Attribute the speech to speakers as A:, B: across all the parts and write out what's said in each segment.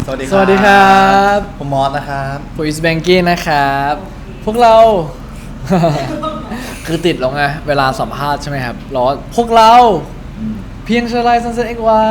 A: สวัสดี
B: สวัสดีครับ
A: ผมมอสนะครับ
B: ผมอิสแบงกี้นะครับ พวกเรา คือติดแล้วไงเวลาสัมภาษณ์ใช่ไหมครับร้อนพวกเราเพียงชลายซันเซ็ตเอ็กวาย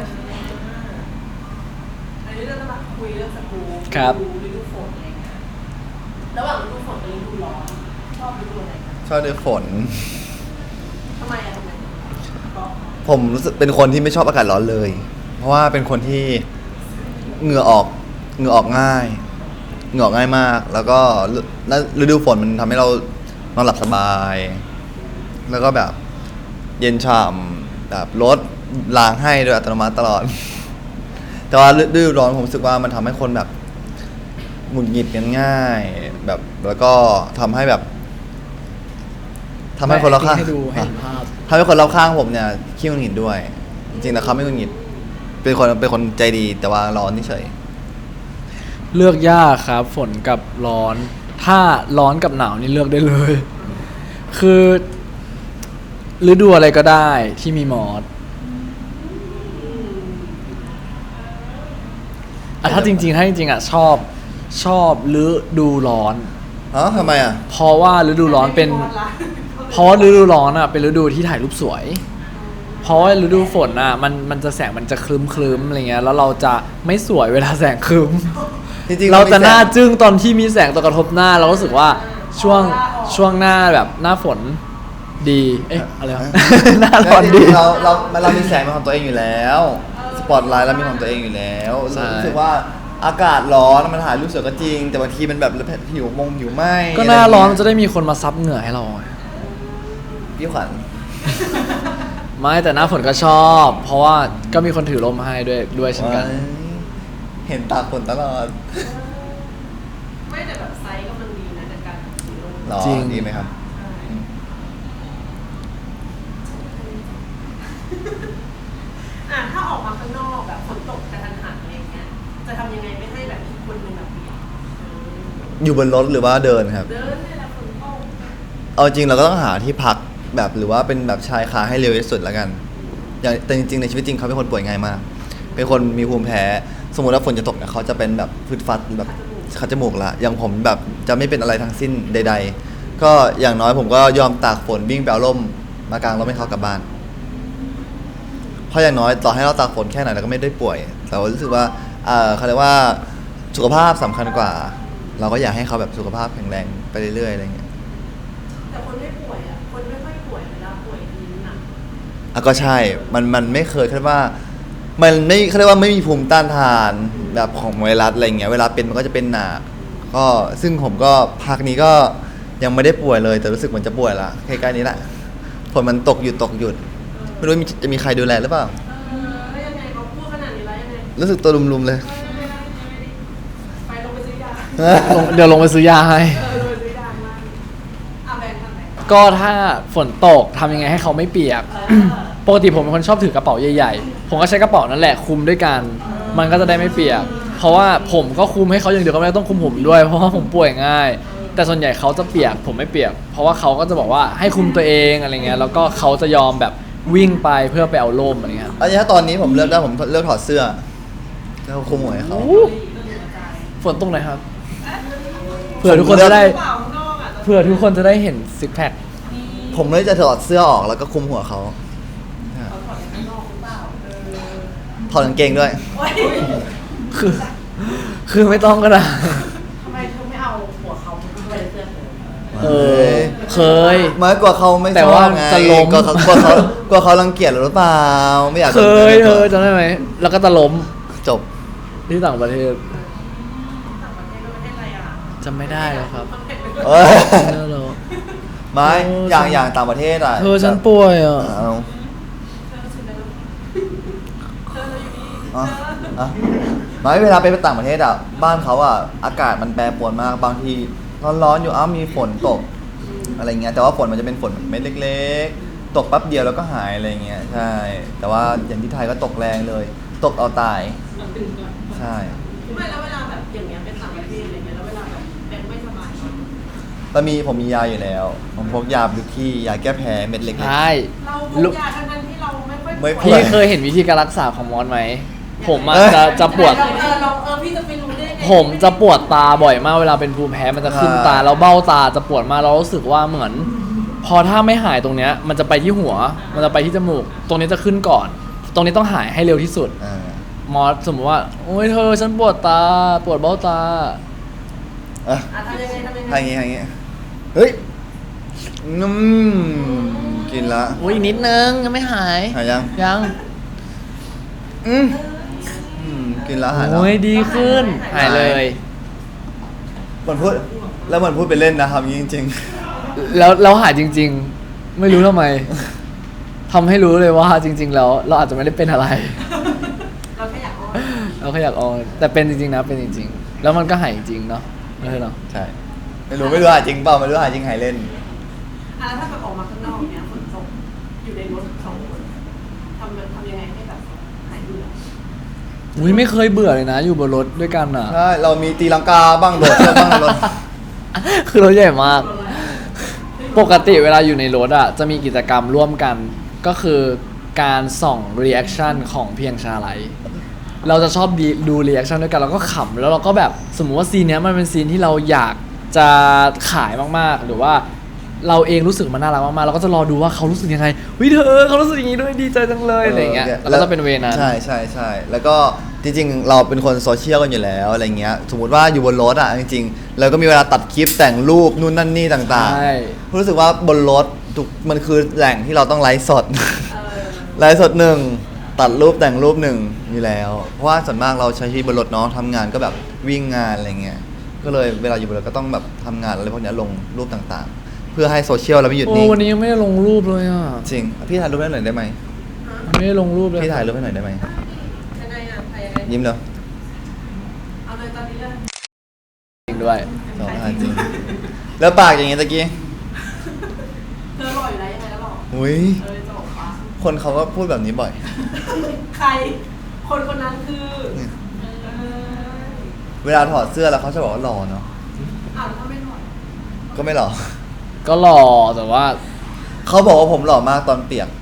C: อันนี้เราจะมาคุยเรื่องสกู๊ป
B: ครับ
C: ฤดูฝนอะไรเงี้ยระหว่างฤดูฝนกับฤดูร้อนชอบฤดูอะไรกัน
A: ชอบฤดูฝน
C: ทำไมเพราะ
A: ผมรู้สึกเป็นคนที่ไม่ชอบอากาศร้อนเลย เพราะว่าเป็นคนที่เหงื่อออกง่ายเหงื่อออกง่ายมาก แล้วก็ฤดูฝนมันทำให้เรานอนหลับสบาย แล้วก็แบบเย็นฉ่ำแบบรถล้างให้โดยอัตโนมัติตลอด แต่ว่าฤดูร้อนผมรู้สึกว่ามันทำให้คนแบบหงุดหงิดกันง่าย แบบแล้วก็ทำให้แบบทำให้คนรอบข้าง
B: ให้ดูให้เห็นภาพ
A: ทำให้คนรอบข้างผมเนี่ยขี้หงุดหงิดด้วย จริงๆแต่เขาไม่หงุดหงิดเป็นคนใจดีแต่ว่าร้อนเฉย
B: เลือกยากครับฝนกับร้อน ถ้าร้อนกับหนาวนี่เลือกได้เลย คือฤดูอะไรก็ได้ที่มีมอสถ้าจริงๆอ่ะชอบฤดูร้อน
A: ฮะทำไมอ่ะ
B: เพราะว่าฤดูร้อนเป็น เพราะว่าฤดูร้อนอ่ะเป็นฤดูที่ถ่ายรูปสวย เพราะว่าฤดูฝนอ่ะมันจะแสงมันจะคลึ้มอะไรเงี้ยแล้วเราจะไม่สวยเวลาแสงคลึ้ม
A: จริงๆ
B: เราจะหน้า
A: มีแสง
B: จึ้งตอนที่มีแสงตกกระทบหน้าเรารู้สึกว่าช่วงหน้าแบบหน้าฝนดี เอ๊ะอะไรวะ หน้าร้อนดี
A: เรามีแสงเป็นของตัวเองอยู่แล้วสปอตไลท์เรามีของตัวเองอยู่แล้ว
B: ใช่
A: รู้สึกว่าอากาศร้อนมันถ่ายรูปสวยก็จริง แต่บางทีมันแบบผิวไหม
B: ก็หน้าร้อนมันจะได้มีคนมาซับเหงื่อให้เราไง
A: พี่ขวัญ
B: ไม่แต่หน้าฝนก็ชอบ เพราะว่าก็มีคนถือร่มให้ด้วยเช่นกัน
A: เห็นตาฝนตลอด
C: ไม่แต่แบบไซส์ก็มันดีนะในการถือลง
A: หรอ
B: จริง
A: ดีไหมครับ
C: ถ้าออกมาข้างนอกแบบฝนตกกระทันหันอะไรเงี้ยจะทำยังไงไม่ให้แบบอีกคนนึงแบบเปียก
A: อยู่บนรถหรือว่าเดินครับ
C: เดินเนี่ยแหละฝนตก
A: เอาจริงเราก็ต้องหาที่พักแบบหรือว่าเป็นแบบชายคาให้เร็วที่สุดแล้วกันอย่างแต่จริงๆในชีวิตจริงเขาเป็นคนป่วยง่ายมาก เป็นคนมีภูมิแพ้สมมติว่าฝนจะตกเนี่ยเขาจะเป็นแบบฟึดฟัดแบบคัดจมูกละอย่างผมแบบจะไม่เป็นอะไรทั้งสิ้นใด ๆ ก็อย่างน้อยผมก็ยอมตากฝนวิ่งไปเอาร่มมากางร่มให้เขากลับบ้านเพราะอย่างน้อยต่อให้เราตากฝนแค่ไหนเราก็ไม่ได้ป่วยแต่ว่ารู้สึกว่าเขาเรียกว่าสุขภาพสำคัญกว่า เราก็อยากให้เขาแบบสุขภาพแข็งแรงไปเรื่อยๆอะไรเงี้ย
C: แต่คนไม่ป่วยอ่ะคนไม่ค่อยป่วยเวลาป่วยทีหนัก
A: ก็ใช่ มันไม่เคยคิดว่า มันไม่เขาเรียกว่าไม่มีภูมิต้านทานแบบของไวรัสอะไรเงี้ย เวลาเป็นมันก็จะเป็นหนักก็ซึ่งผมก็พักนี้ก็ยังไม่ได้ป่วยเลย แต่รู้สึกเหมือนจะป่วยละใกล้ๆนี้แหละฝนมันตกหยุด ไม่รู้จะมีใครดูแลหรือเปล่า
C: แล้วยังไงเขาพูดขนาดนี้แล้วยังไง
A: รู้สึกตัวลุมๆเลย
C: ไปลงไปซื้อยา
B: เดี๋ยวลงไปซื้อยาให้
C: ลงไปซื้อยามาแบงค์ทำไง
B: ก็ถ้าฝนตกทำยังไงให้เขาไม่เปียก ปกติผมเป็นคนชอบถือกระเป๋าใหญ่ๆ ผมก็ใช้กระเป๋านั่นแหละคลุมด้วยกัน มันก็จะได้ไม่เปียก เพราะว่าผมก็คลุมให้เขาอย่างเดียวก็ไม่ได้ต้องคลุมผมด้วย เพราะว่าผมป่วยง่าย แต่ส่วนใหญ่เขาจะเปียกผมไม่เปียก เพราะว่าเขาก็จะบอกว่าให้คลุมตัวเองอะไรเงี้ย แล้วก็เขาจะยอมแบบวิ่งไปเพื่อไปเอาร่มอะไรเงี้ย
A: อันนี้ถ้าตอนนี้ผมเลือกได้ผมเลือกถอดเสื้อแล้วคุมหัวให้เขา
B: ฝนตกไหนครับ เผื่อทุกคนจะได้
C: เปล่าข้างนอกอ่ะ
B: เผื่อทุกคนจะได้เห็นซิกแพค
A: ผมเลยจะถอดเสื้อออกแล้วก็คุมหัวเขา
C: เขาถอดข้างนอกหรือเปล่า
A: ถอดกางเกงด้วย
C: โอ๊ย
B: คือไม่ต้องก็ได้
C: ทำไมเธอไม่เอาหัวเขาไปเสื้อเธอ
B: เออ เคย
A: ไม่กลัวเขาไม่ช
B: แต่
A: อบ
B: ว่า
A: ไง
B: จะล้ม
A: กลัวเขารังเกียจหรือเปล่าไม่อยาก
B: เคยจำได้ไหม แล้วก็จะล้ม
A: จบ
B: ที่ต่างประเทศ
C: ต่างประเทศประเทศอะไรอ่ะ
B: จำไม่ได้แล้วครับ
C: มันเป็น
A: เอ้ย
B: จำไม่ได้แล้ว
A: ไม่
B: โอ้
A: อย่างต่างประเทศอ่ะ
B: เธอฉันป่วยอ่ะ
A: เอา
C: เธออยู่นี่
A: อ่ะอ่ะไม่เวลาไปต่างประเทศอ่ะบ้านเขาอ่ะอากาศมันแปรปรวนมากบางทีร้อนๆอยู่มีฝนตกอะไรเงี้ยแต่ว่าฝนมันจะเป็นฝนแบบเม็ดเล็กๆ ตกแป๊บเดียวแล้วก็หายอะไรเงี้ยใช่แต่ว่าอย่างที่ไทยก็ตกแรงเลย ตกเอาตาย
C: เอาตื่นก่อน
A: ใช่
C: ไม่แล้วเวลาแบบอย่างเงี้ยเป็นต่างประเทศอะไรเงี้ยแล้วเวลาแบบเป็นไม่สบาย
A: แล้วผมมียาอยู่แล้ว ผมพกยาบิวกี้ยาแก้แพ้เม็ดเล็ก
B: ใช่
C: เราพกยาทั้งที่เราไม่ค่อย
A: ไม่
C: ป่วย
B: พี่เคยเห็นวิธีการรักษาของมอสไหม วผมอะจะปวด
C: พี่จะไปรู้ได้ไง
B: ผมจะปวดตาบ่อยมากเวลาเป็นภูมิแพ้มันจะขึ้นตาแล้วเบ้าตาจะปวดมากเรารู้สึกว่าเหมือน พอถ้าไม่หายตรงเนี้ยมันจะไปที่หัว มันจะไปที่จมูก ตรงนี้จะขึ้นก่อน ตรงนี้ต้องหายให้เร็วที่สุด
A: อ่า
B: หมอสมมติว่าโอ้ยเธอฉันปวดตาปวดเบ้าตา
A: อ่ะ
C: ทำยังไง
A: ทางงี้เฮ้ยกินละ
B: อุ้ยนิดนึงยังไม่หาย
A: หายยัง
B: ยัง
A: อืมกินละหายแล้ว
B: โอ้ยดีขึ้นหายเลย
A: มันพูดแล้วมันพูดไปเล่นนะครับจริง
B: แล้วหายจริง ๆ ไม่รู้ทำไมทำให้รู้เลยว่าจริง ๆ แล้วเราอาจจะไม่ได้เป็นอะไร
C: เราแค่อยากอ้อน
B: เราแค่อยากออนแต่เป็นจริงๆนะเป็นจริงๆ แล้วมันก็หายจริงเนาะไม่ใช่เนาะ
A: ๆ ใช่ ไม่รู้หายจริงเปล่าไม่รู้หายจริงหายเล่น
C: แล้วถ้าแบบออกมาข้างนอกเนี้ยฝนตกอยู่ในรถสองคนทำยังไงให้แบบหายเบื่อ
B: อุ้ยไม่เคยเบื่อเลยนะ อยู่บนรถด้วยกันอ่ะ
A: ใช่ เรามีตีลังกาบ้างโดดเชือกบ้างในรถ
B: คือรถใหญ่มาก ปกติเวลาอยู่ในรถอ่ะจะมีกิจกรรมร่วมกัน ก็คือการส่องรีแอคชั่นของเพียงชาไลท์เราจะชอบดูรีแอคชั่นด้วยกันแล้วก็ขำแล้วเราก็แบบสมมุติว่าซีนเนี้ยมันเป็นซีนที่เราอยากจะขายมากๆหรือว่าเราเองรู้สึกมันน่ารักมากๆเราก็จะรอดูว่าเขารู้สึกยังไงเฮ้ยเธอเขารู้สึกอย่างนี้ด้วยดีใจจังเลยอะไรอย่างเงี้ยแล้วก็จะเป็นเวนั้น
A: ใช่แล้วก็จริงๆเราเป็นคนโซเชียลกันอยู่แล้วอะไรเงี้ยสมมติว่าอยู่บนรถอ่ะจริงๆเราก็มีเวลาตัดคลิปแต่งรูปนู่นนั่นนี่ต่าง
B: ใช่
A: ๆรู้สึกว่าบนรถมันคือแหล่งที่เราต้องไลฟ์สด
C: เออ
A: ไลฟ์สดหนึ่งตัดรูปแต่งรูปหนึ่งอยู่แล้ว เพราะว่าส่วนมากเราใช้ชีวิตบนรถเนาะทำงานก็แบบวิ่งงานอะไรเงี้ยก็เลยเวลาอยู่บนรถก็ต้องแบบทำงานอะไรพวกเนี้ยลงรูปต่างๆ เพื่อให้โซเชียลเราไม่หยุด
B: โอ้
A: นิ่ง
B: วันนี้ยังไม่ได้ลงรูปเลยอ่ะ
A: จริงพี่ถ่ายรูปให้หน่อยได้ไหม
B: ไม่ได้ลงรูปเลย
A: พี่ถ่ายรูปให้หน่อยได้ไหม
C: ยังไงอ่ะถ่ายยังไง
A: ยิ้มเนาะ
C: เอาเลยตอนนี้เลย
B: จริงด้วย
A: สองอันจริงแล้วปากอย่างงี้ตะกี้
C: เธอหล่ออยู่แล้วยังไงแล้วหล่อ
A: อุ้ย
C: จะบอกว่า
A: คนเขาก็พูดแบบนี้บ่อย
C: ใคร คนนั้นคือ
A: เนี่ย
C: เออ
A: เวลาถอดเสื้อแล้วเขาจะบอกว่าหล่อเนาะ
C: อ้าวแล้วถ้าไม่หล่อ
A: ก็ไม่หล่อ
B: ก็หล่อแต่ว่า
A: เขาบอกว่าผมหล่อมากตอนเปียก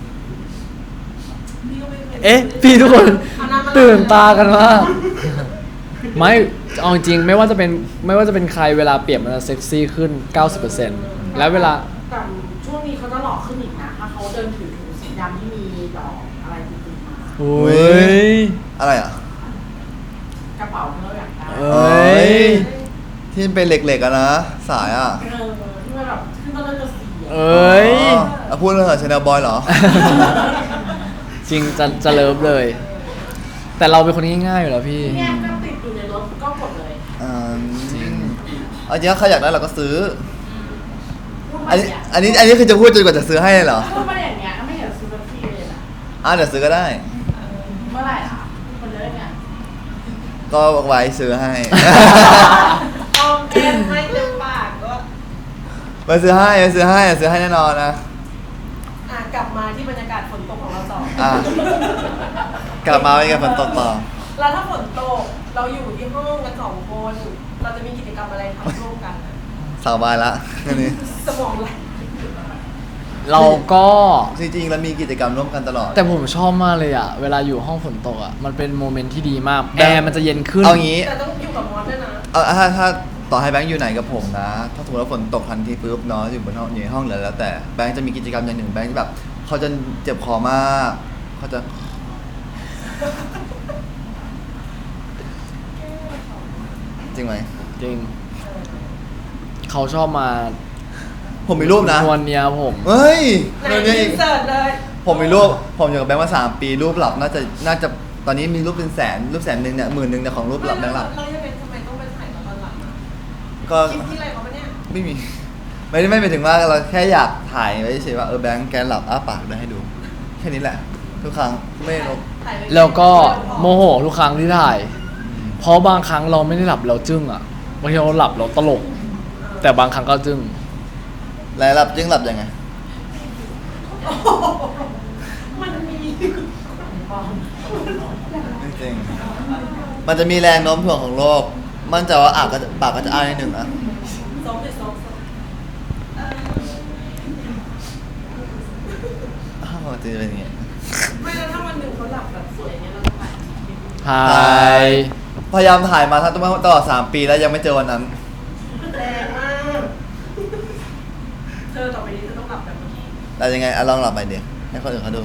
C: พี่ก็ไม่คย
B: เอ๊ะพี่ทุกคน
C: เอาน้ำมา
B: ตื่นตากันมากไม่เอาจริงไม่ว่าจะเป็นใครเวลาเปลี่ยนมันจะเซ็กซี่ขึ้น 90%แล้วเวลา
D: แต่ช่วงนี้เขาจะหล่อขึ้นอีกนะ ถ้าเขาเดินถือถุงสีดำที่มีดอกอะไรติดๆมา
B: โอ้ย
A: อะไรอ่ะ
D: กระเป๋าเธออยากได้
B: เอ้ย
A: ที่มันเป็นเหล็กๆอะนะสายอ่ะ
D: ที่มันแบบขึ้นต้นแล้วจะสี
B: เอ้ย
A: อ๋อพูดเรื่องชาแนลบอยเหรอ
B: จริงจะเลิฟเลย แต่เราเป็นคนง่ายๆอยู่แล้วพี่
D: เนี่ยก็ติดอยู่ในรถก็กดเลย
A: จริงเอาจริงถ้าใครอยากได้เราก็ซื้อ
D: พูด
A: อั
D: มาน
A: นี้
D: เนี่ย
A: อันนี้คือจะพูดจนกว่าจะซื้อให้เลยเหรอ
D: พูดมาอย่างเงี้ยก็ไม่เห็นซื้อสักทีเลยนะ
A: เดี๋ยวซื้อก็ได้
D: เมื่อไหร่ล่ะคนเลิกเนี่ย
A: ก็ไว้ซื้อให้
C: ออมแก้มไม่เต็มปากก็
A: ไปซื้อให้แน่นอนนะ
C: กลับมาที่บรรยากาศฝนตกของเราต่อ
A: อ่ะ กลับมาเป็นไงฝนตกต่อ
C: แล้วถ้าฝนตกเราอยู่ที่ห้องกันสองคน เราจะมีกิจกรรมอะไรทำร่วมกันอะ
A: สาวบายละอันนี้
C: สมองไหล
B: เราก็
A: จริงๆแล้วมีกิจกรรมร่วมกันตลอด
B: แต่ผมชอบมากเลยอะเวลาอยู่ห้องฝนตกอะมันเป็นโมเมนต์ที่ดีมากแอร์มันจะเย็นขึ้น
A: เอางี้
C: แต่ต้องอยู่กับมอสด้วยนะ
A: ถ้าต่อให้แบงค์อยู่ไหนกับผมนะ ถ้าสมมติว่าฝนตกทันทีปุ๊บเนาะอยู่บนห้องอยู่ในห้องแล้วแต่แบงค์จะมีกิจกรรมอย่างหนึ่งแบงค์จะแบบเขาจะเจ็บคอมากเขาจะจริงไหม
B: จริง เขาชอบมา
A: ผมมีรูปนะ
B: ชวนเนียผม
A: เฮ้ย
C: ไหน
A: เรื่องนี้
C: อิ
A: อีก
C: นเสิร์ตเลย
A: ผมมีรูปผมอยู่กับแบงค์มา3 ปีรูปหลับน่าจะตอนนี้มีรูปเป็นแสนรูป100,000เนี่ย10,000เนี่ยของรูปหลับแบงค์หลับ
C: เราจะเป็นทำไมต้องไปถ่ายตอนหลังอะ
A: ก็
C: คลิปที่อะไรเขาปะเนี่ย
A: ไม่มี ไม่ได้ไม่หมายถึงว่าเราแค่อยากถ่ายไว้เฉยๆว่าแบงค์แกหลับอ้าปากด้วยให้ดู แค่นี้แหละ ทุกครั้งไม่ลบ
C: ถ่ายไ
B: แล้วก็โมโหทุกครั้งที่ถ่าย เพราะบางครั้งเราไม่ได้หลับเราจึ้งอะบางทีเราหลับเราตลก แต่บางครั้งก็จึ้ง
A: แล้วหลับจึงหลับยังไง
C: มันมี
A: จริงๆมันจะมีแรงโน้มถ่วงของโลก มั่นใจว่าปากก็จะอ้านิดหนึ่งนะ
C: ซ้อมเลยซ้อม
A: อ้าวจะเป็นอย่างงี้
C: ไม่แล้วถ้าวันหนึ่งเขาหลับแบบสวยอย่างเงี้ยเราจะถ่ายคลิป
B: ถ่าย
A: พยายามถ่ายมาทั้งตลอด3 ปีแล้วยังไม่เจอวันนั้น
C: แรงมากเธอต่อไปนี้เธอต้องหลับแบบเมื่อกี้
A: แต่ยังไงลองหลับไปเดี๋ยวให้คนอื่นเขาดู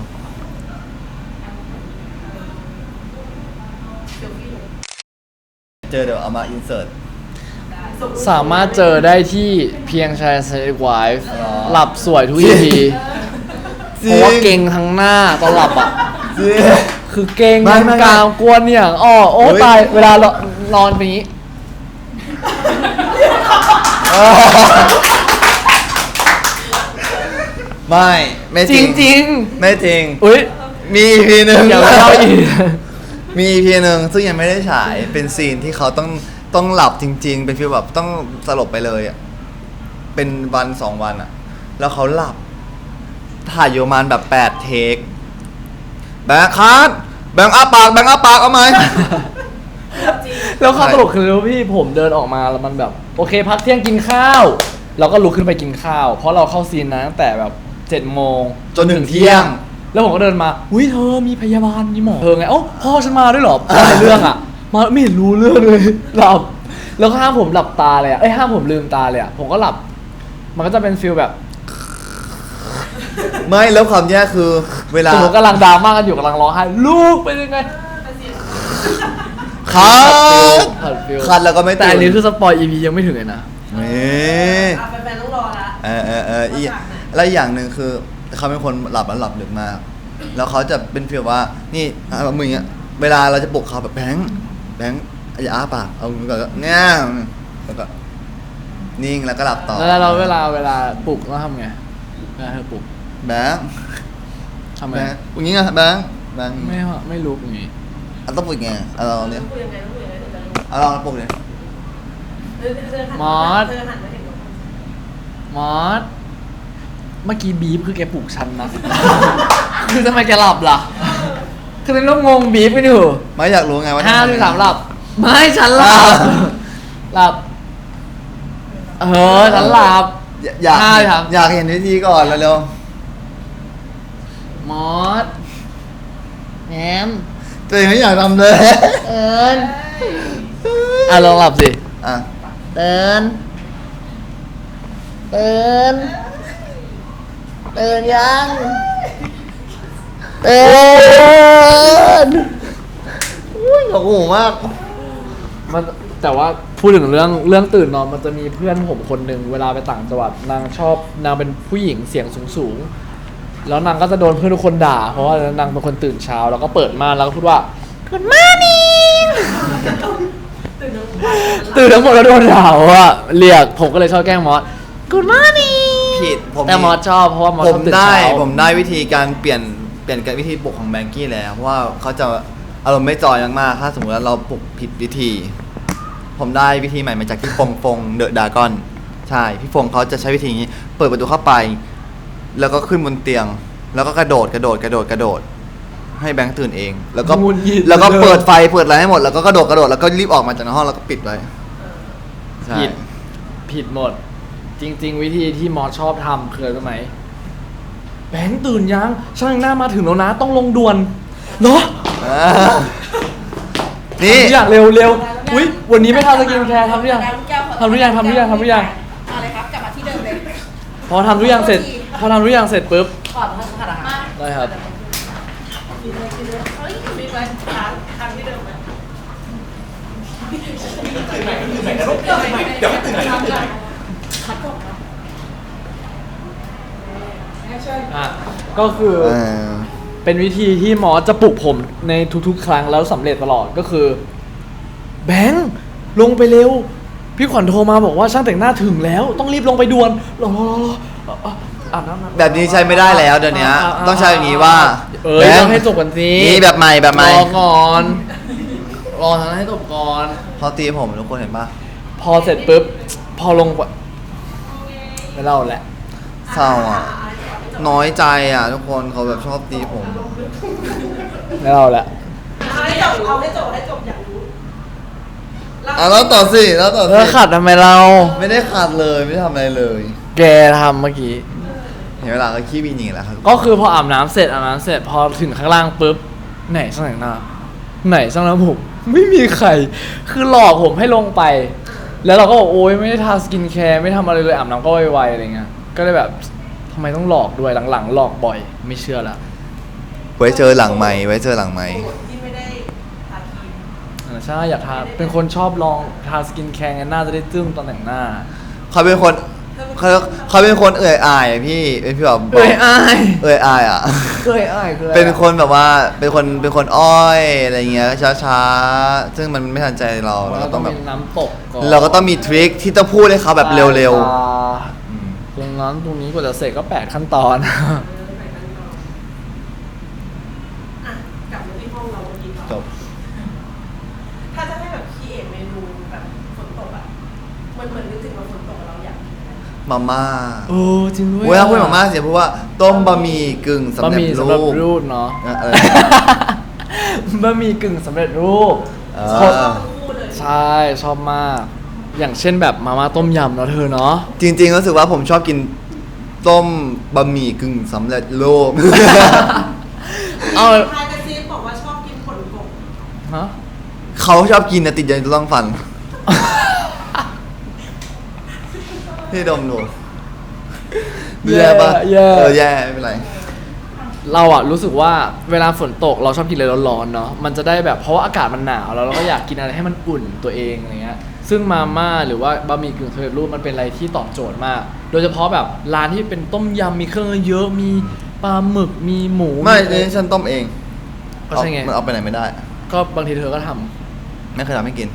C: เซลฟี่เลย
A: เจอเดี๋ยวเอามาอินเสิร์ต
C: ได้ส่งรูป
B: สามารถเจอได้ที่เพียงชายเซนไวฟ์
A: อ๋อ
B: หลับสวยทุก EP เพราะว่าเก่งทั้งหน้าตอนหลับอ่ะ
A: จริง
B: คือเก่ง
A: ไม่
B: ทั้ง
A: ไม่
B: กลางกวนอย่างอ้อโอ้
A: เฮ้ย
B: ตาย เวลานอนเป็นอย่างนี้
A: ไม่จ
B: จ
A: ริ
B: ริ
A: ง
B: งจริง
A: ไม่จริง
B: อุ้ย
A: มี EP หนึ่ง
B: อย่าไปเล่าอีก
A: มี EP หนึ่งซึ่งยังไม่ได้ฉายเป็นซีนที่เขาต้องหลับจริง ๆ เป็นฟีลแบบต้องสลบไปเลยอ่ะเป็นวัน2 วันอ่ะ แล้วเขาหลับ ถ่ายอยู่ประมาณแบบ8 เทคแบงค์คัทแบงค์อ้าปากเอาไหม
C: จริง
B: แล้วความตลกคือพี่ผมเดินออกมาแล้วมันแบบ โอเคพักเที่ยงกินข้าว เราก็ลุกขึ้นไปกินข้าว เพราะเราเข้าซีนนะตั้งแต่แบบ7 โมง
A: จนถึงเที่ยง
B: แล้วผมก็เดินมาอุ้ยเธอมีพยาบาลมีหมอเธอไงเอ้าพ่อฉันมาด้วยเหรอพ่อในเรื่องอ่ะ มาไม่เห็นรู้เรื่องเลย หลับ แล้วก็ห้ามผมหลับตาเลยอ่ะห้ามผมลืมตาเลยอ่ะผมก็หลับ มันก็จะเป็นฟีลแบบ
A: ไม่แล้วความแย่คือเวลา
B: สมมติกำลังดราม่ากันอยู่กำลังร้องไห้ลูกเป็นยังไง
C: แต่เสียง
A: คัท
B: ขัดฟิล
A: คัทแล้วก็ไม่
B: แต่
A: ตื่
B: อันนี้
A: น
B: คือสปอย EP ยังไม่ถึงเลยนะ
A: นี่
C: แฟนๆต้องรอละ
A: อีกแล้วอีกอย่างหนึ่งคือเขาเป็นคนหลับแล้วหลับดึกมาก แล้วเขาจะเป็นฟีลว่านี่แบบมึงอ่ะเวลาเราจะปลุกเขาแบบแบงค์อย่าอ้าปากเอามือก่อนก็แง่แล้วก็นิ่งแล้วก็หลับต่อ
B: แล้วเราเวลาปลุกเราทำไงเวลาเธอปลุก
A: แบงค์
B: ทำไง
A: แบงค์อย่างงี้ไงแบงค์
B: ไม่ลุกอย่างงี้
A: เอาต้องปลุกไงเอาลองเนี่ย
C: ต้องคุยยังไงต้องคุยยังไงถึงจะรู้
A: เอาลองปลุกเนี่ย
C: เธอหัน
B: มอส
C: เธอหันมาเห็นหนู
B: มอสเมื่อกี้บีฟคือแกปลุกฉันนะ คือทำไมแกหลับล่ะ คือเป็นเรื่องงงบีฟกันอยู่
A: ไม่อยากรู้ไงว่า
B: 5
A: ทำไง
B: 4 3หลับ ไม่ฉันหลับ หลับ ฉันหลับ
A: อยาก
B: ห้าสี่สาม
A: อยากเห็นวิธีก่อนเร็ว
B: มอสแหม
A: ๆตัวเองไม่อยากทำเลย
B: เอิญลองหลับสิ
A: อ่ะ
B: เตือนยังเตือน
A: หลงหูมาก
B: มันแต่ว่าพูดถึงเรื่องตื่นนอนมันจะมีเพื่อนผมคนหนึ่งเวลาไปต่างจังหวัดนางเป็นผู้หญิงเสียงสูงแล้วนางก็จะโดนเพื่อนทุกคนด่า เพราะว่านางเป็นคนตื่นเช้าแล้วก็เปิดม่านแล้วก็พูดว่า Good morning ตื่นทั้งหมดแล้วโดนด่าว่าเรียกผมก็เลยชอบแกล้งมอส Good morning
A: ผิดผม
B: แต่มอสชอบเพราะว่ามอส
A: ผ
B: ช
A: ม
B: อบตื่น
A: ได้
B: เช้า
A: ผมได้วิธีการเปลี่ยนการวิธีปลุกของแบงกี้แล้วเพราะว่าเขาจะอารมณ์ไม่จอยมากๆถ้าสมมติว่าเราปลุกผิดวิธี ผมได้วิธีใหม่มาจากพี่ฟงเดอะดากอนใช่พี่ฟงเขาจะใช้วิธีนี้ เปิดประตูเข้าไป แล้วก็ขึ้นบนเตียง แล้วก็กระโดดให้แบงค์ตื่นเอง แล้วก็
B: งุนงิด
A: แล้วก็เปิดไฟเปิดอะไรให้หมดแล้วก็กระโดดแล้วก็รีบออกมาจากในห้องแล้วก็ปิดไว้ใช่
B: ผิดหมด จริง ๆ วิธีที่มอสชอบทำคืออะไรรู้ไหมแบงค์ตื่นยังช่างหน้ามาถึงแล้วนะต้องลงด่วนเนาะ
A: อ่านี่
B: ทำทุกอย่างเร็วอุ้ยวันนี้ไม่ทำสกินแคร์ทำหรือยังทำหรือยัง
C: อะไรครับกลับมาที่เดิมเลย
B: พอทำทุกอย่างเสร็จปุ๊บ
C: ก่อนทานอาหาร
B: ได้ครับ
C: กินเลยเฮ้ยมีไว้ทานที่เดิมไหมเดี๋ยวไม่ตื่นไหนคัดก่อนนะ
B: ก็คือ เป็นวิธีที่หมอจะปลุกผมในทุกๆ ครั้งแล้วสำเร็จตลอดก็คือ แบงค์ลงไปเร็ว พี่ขวัญโทรมาบอกว่าช่างแต่งหน้าถึงแล้ว ต้องรีบลงไปด่วนรออาบน้ำ
A: แบบนี้ใช้ไม่ได้แล้วเดี๋ยวนี้ต้องใช้อย่างนี้ว่า
B: แบงค์ให้จบก่อนสิ
A: นี่แบบใหม่
B: รอก่อนรอทำให้จบก่อน
A: เขาตีผมทุกคนเห็นปะ
B: พอเสร็จปุ๊บพอลงไม่เล่าแหละ
A: เศร้าอ่ะ น้อยใจอ่ะ ทุกคนเขาแบบชอบตีผม
B: ไม่เล่าแหละ
C: เอาให้จบอยากรู้
A: แล้วต่อสิแล้วต่อ
B: เธ
A: สิ
B: อขัดทำไมเรา
A: ไม่ได้ขาดเลยไม่ได้ทำอะไรเลย
B: แกทำเมื่อกี้
A: เห็นเวลาก็ขี้วีหนีแล้วครับ
B: ก็คือพออาบน้ำเสร็จพอถึงข้างล่างปุ๊บไหนช่างแต่งหน้าไหนช่างน้ำผมไม่มีใครคือหลอกผมให้ลงไป แล้วเราก็บอกโอ๊ยไม่ได้ทาสกินแคร์ไม่ทำอะไรเลยอาบน้ำก็ไวๆอะไรเงี้ยก็เลยแบบทำไมต้องหลอกด้วยหลังๆหลอกบ่อยไม่เชื่อละ
A: ไว้เจอหลังไมค์ไว้เจอหลังไมค์
C: ที่ไม่ได้ทาครีม
B: ใช่อยากทาเป็นคนชอบลองทาสกินแคร์ไงหน้าจะได้ตึ้งตอนแต่งหน้า
A: เขาเป็นคนเขาเป็นคนเอื่อยอายอะพี่เป็นพี่แบบ
B: เอ้ยอาย
A: เอื่อยอายอ่ะ
B: เคยอายคืออะไร
A: เป็นคนแบบว่าเป็นคนอ้อยอะไรเงี้ยช้าๆซึ่งมันไม่ทันใจเรา
B: เรา
A: เรา
B: ก็
A: ก็
B: ต้
A: ต้
B: อ
A: อง ง
B: มี
A: แบบ
B: น้ำตกก่อน
A: เราก็ต้องมีทริคที่ต้องพูดให้เขาแบบเร็ว
B: ๆตรงนั้นตรงนี้กว่าจะเสร็จก็8ขั้นตอน
C: อ่ะกลับมาที่ห้องเราเมื่อกี้ก่อน
A: ๆจบ
C: ถ้าจะให้แบบคีเอทเมนูแบบฝนตกอ่ะเหมือนนึกถึงว่าฝนตกเราอยากกินอะไร
A: มาม่า
B: โอ้จริงด้วย
A: เวลาพูดมาม่าเสียเพราะว่าต้มบะหมี่กึ่งสำ
B: บะ
A: เร็
B: ห
A: จ
B: มี่
A: รู
B: สำหรับ
A: ป
B: รูปเนาะ
A: อะไร
B: บะหมี่กึ่งสำเร็จรูป
A: อ่า
B: ชอบ
C: พูดเลย
B: ใช่ชอบมาก อย่างเช่นแบบมาม่าต้มยำเนาะเธอเนาะ
A: จริงๆรู้สึกว่าผมชอบกินต้มบะหมี่กึ่งสำเร็จรูป
B: เอา
C: ทายกระซิบบอกว่าชอบกินผลกบ
B: ฮะ
A: เขาชอบกินนะติดใจต้องฟัน พี่ดมดูแย่ปะ
B: แย่
A: แย่ไม่เป็นไร
B: เราอะรู้สึกว่าเวลาฝนตกเราชอบกินอะไรร้อนๆเนาะมันจะได้แบบเพราะว่าอากาศมันหนาวแล้วเราก็อยากกินอะไรให้มันอุ่นตัวเองอะไรเงี้ยซึ่งมาม่าหรือว่าบะหมี่กึ่งสำเร็จรูปมันเป็นอะไรที่ตอบโจทย์มาก โดยเฉพาะแบบร้านที่เป็นต้มยำมีเครื่องเยอะมีปลาหมึกมีหมู
A: ไม่นี่ฉันต้มเอง
B: ก็ใช่ไง
A: มันเอาไปไหนไม่ได้
B: ก็บางทีเธอก็ทำ
A: ไม่เคยทำให้กิน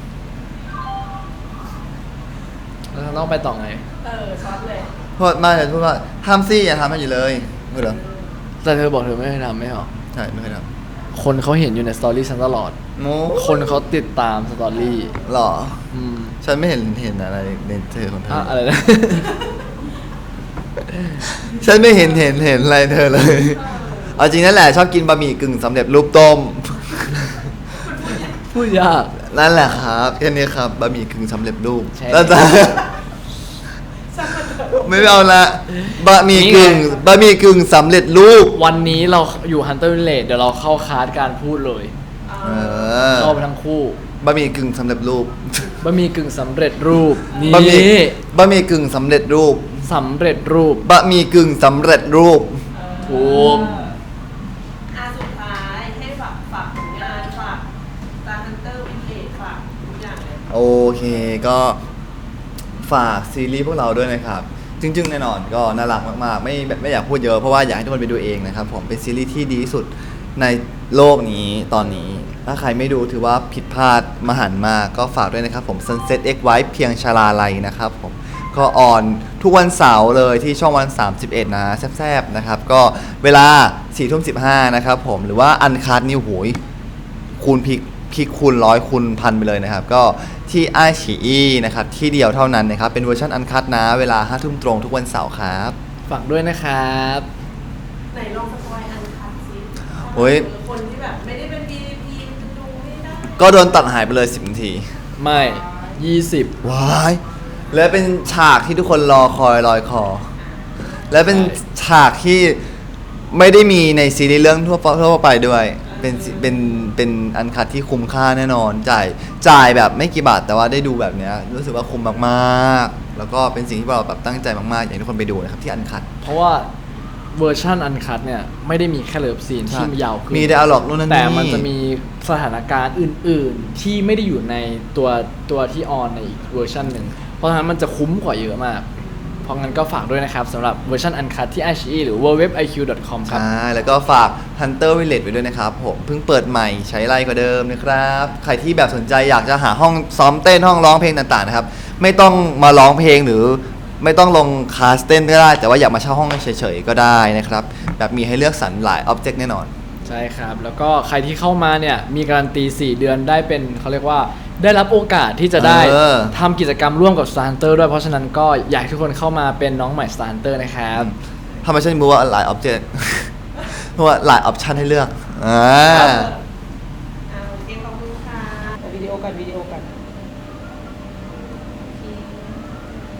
B: แล้วต้องไปต่อไง
C: ช็อตเลย
A: เพราะมาจะพูดว่าทำซี่อย่าทำให้อยู่เลยไม่เหรอ
B: แต่เธอบอกเธอไม่เคยทำไม่เหรอ
A: ใช่ไม่เคยท
B: คนเขาเห็นอยู่ในสตอรี่ฉันตลอด
A: ำโม
B: คนเขาติดตามสตอรี่
A: หรอ
B: อืม
A: ฉันไม่เห็นอะไรในเธอของเธอ
B: อะไรนะ
A: ฉันไม่เห็นอะไรเธอเลย เอาจริงนั่นแหละชอบกินบะหมี่กึ่งสำเร็จรูปต้ม
B: พูดยาก
A: นั่นแหละครับแค่นี้ครับบะหมี่กึ่งสำเร็จรูป
B: ใช่
A: แล้วจะ ไม่เอาละบะหมี่กึ่ง
B: นี่ไง
A: บะหมี่กึ่งสำเร็จรูป
B: วันนี้เราอยู่ Hunter Village เดี๋ยวเราเข้าคลาสการพูดเลย
A: เออ
B: เข้าไปทั้งคู่
A: บะหมี่กึ่งสำเร็จรูป
B: บะหมี่กึ่งสำเร็จรูปนี่
A: บะหมี่กึ่งสำเร็จรูป
B: สำเร็จรูป
A: บะหมี่กึ่งสำเร็จรูป
B: ถูก
C: สุดท้ายให้ฝากผลงานฝากตาฮันเตอร์วินเทจฝากทุกอย่างเลย
A: โอเคก็ฝากซีรีส์พวกเราด้วยนะครับจริงๆแน่นอนก็น่ารักมากๆไม่อยากพูดเยอะเพราะว่าอยากให้ทุกคนไปดูเองนะครับผมเป็นซีรีส์ที่ดีที่สุดในโลกนี้ตอนนี้ ถ้าใครไม่ดูถือว่าผิดพลาดมหันต์มากก็ฝากด้วยนะครับผม Sunset X White เพียงชลาลัยนะครับผมก็ออนทุกวันเสาร์เลยที่ช่องวัน 31 นะแซ่บๆนะครับก็เวลา 4:15 นะครับผมหรือว่าอันคัดนิวโหยคูณพลิกคูณ100คูณพันไปเลยนะครับก็ที่ไอฉีอีนะครับที่เดียวเท่านั้นนะครับเป็นเวอร์ชันอันคัดนะเวลา 5 ทุ่มตรงทุกวันเสาร์ครับ
B: ฝากด้วยนะครับ
C: ไหนลองสปอยอันคัดซิ
A: โอ้ย
C: คนที่แบบไม่ได้เป็น VIP มันจะดูไม่ได้
A: ก็โดนตัดหายไปเลย 10 นาที
B: ไม่ 20
A: ว้าย และเป็นฉากที่ทุกคนรอคอยลอยคอ และเป็นฉากที่ไม่ได้มีในซีรีส์เรื่องทั่วไปด้วย เป็นอันคัดที่คุ้มค่าแน่นอน จ่ายแบบไม่กี่บาทแต่ว่าได้ดูแบบเนี้ยรู้สึกว่าคุ้มมากๆ แล้วก็เป็นสิ่งที่เราแบบตั้งใจมากๆ อยากให้ทุกคนไปดูนะครับที่อันคัด
B: เพราะว่าเวอร์ชันอันคัดเนี่ยไม่ได้มีแค่เลิฟซีนที่ยาวขึ้น
A: มีไดอะล็อกนู่นนั่นนี่
B: แต่มันจะมีสถานการณ์อื่น ๆ ที่ไม่ได้อยู่ในตัวที่ออนในอีกเวอร์ชันหนึ่งเพราะฉะนั้นมันจะคุ้มกว่าเยอะมาก เพราะงั้นก็ฝากด้วยนะครับสำหรับเวอร์ชันอันคัดที่ iQIYI หรือ www.iq.com ครับ
A: ใช่แล้วก็ฝาก Hunter Village ไว้ด้วยนะครับผมเพิ่งเปิดใหม่ใช้ไลน์กว่าเดิมนะครับ ใครที่แบบสนใจอยากจะหาห้องซ้อมเต้นห้องร้องเพลงต่างๆนะครับ ไม่ต้องมาร้องเพลงหรือไม่ต้องลงคลาสเต้นก็ได้ แต่ว่าอยากมาเช่าห้องเฉยๆก็ได้นะครับ แบบมีให้เลือกสรรหลาย object แน่นอน
B: ใช่ครับ แล้วก็ใครที่เข้ามาเนี่ยมีการันตี 4 เดือนได้เป็นเขาเรียกว่าได้รับโอกาสที่จะได้ ทำกิจกรรมร่วมกับ Star Hunter ด้วยเพราะฉะนั้นก็อยากให้ทุกคนเข้ามาเป็นน้องใหม่ Star Hunter นะครับ
A: ทำไมฉันรู้ว่าหลาย object เพราะว่าหลาย option ให้เลือก
C: โอเคขอบคุณค่ะ
D: วิดีโอกัน